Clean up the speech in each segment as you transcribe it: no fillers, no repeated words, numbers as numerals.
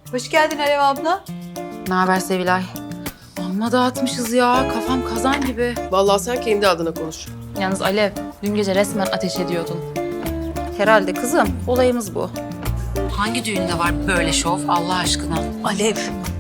Hoş geldin Alev abla. Ne haber Sevilay? Amma dağıtmışız ya. Kafam kazan gibi. Vallahi sen kendi adına konuş. Yalnız Alev, dün gece resmen ateş ediyordun. Herhalde kızım. Olayımız bu. Hangi düğünde var böyle şov Allah aşkına? Alev.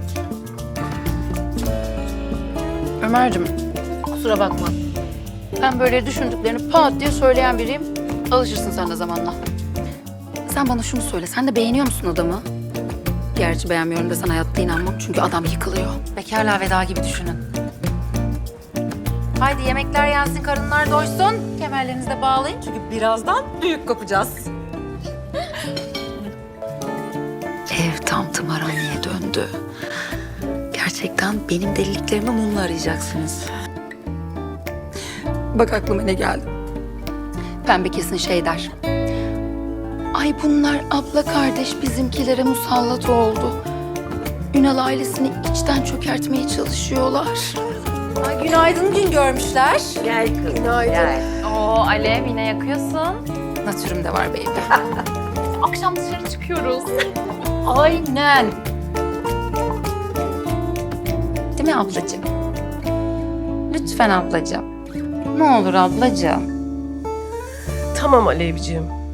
Ömer'cim, kusura bakma. Ben böyle düşündüklerini pat diye söyleyen biriyim. Alışırsın sen de zamanla. Sen bana şunu söyle. Sen de beğeniyor musun adamı? Gerçi beğenmiyorum desen hayatta inanmam. Çünkü adam yıkılıyor. Bekarlığa veda gibi düşünün. Haydi yemekler yensin, karınlar doysun. Kemerlerinizi de bağlayın. Çünkü birazdan büyük kopacağız. Ev tam tımarhaneye döndü. Gerçekten benim deliliklerimi mumla arayacaksınız. Bak aklıma ne geldi. Pembe kesin şey der. Ay bunlar abla kardeş bizimkilere musallat oldu. Ünal ailesini içten çökertmeye çalışıyorlar. Ay günaydın gün görmüşler. Gel kızım. Günaydın. Oo Alev, yine yakıyorsun. Natürüm de var baby. Akşam dışarı çıkıyoruz. Aynen. Değil mi ablacığım? Lütfen ablacığım. Ne olur ablacığım. Tamam Alevciğim.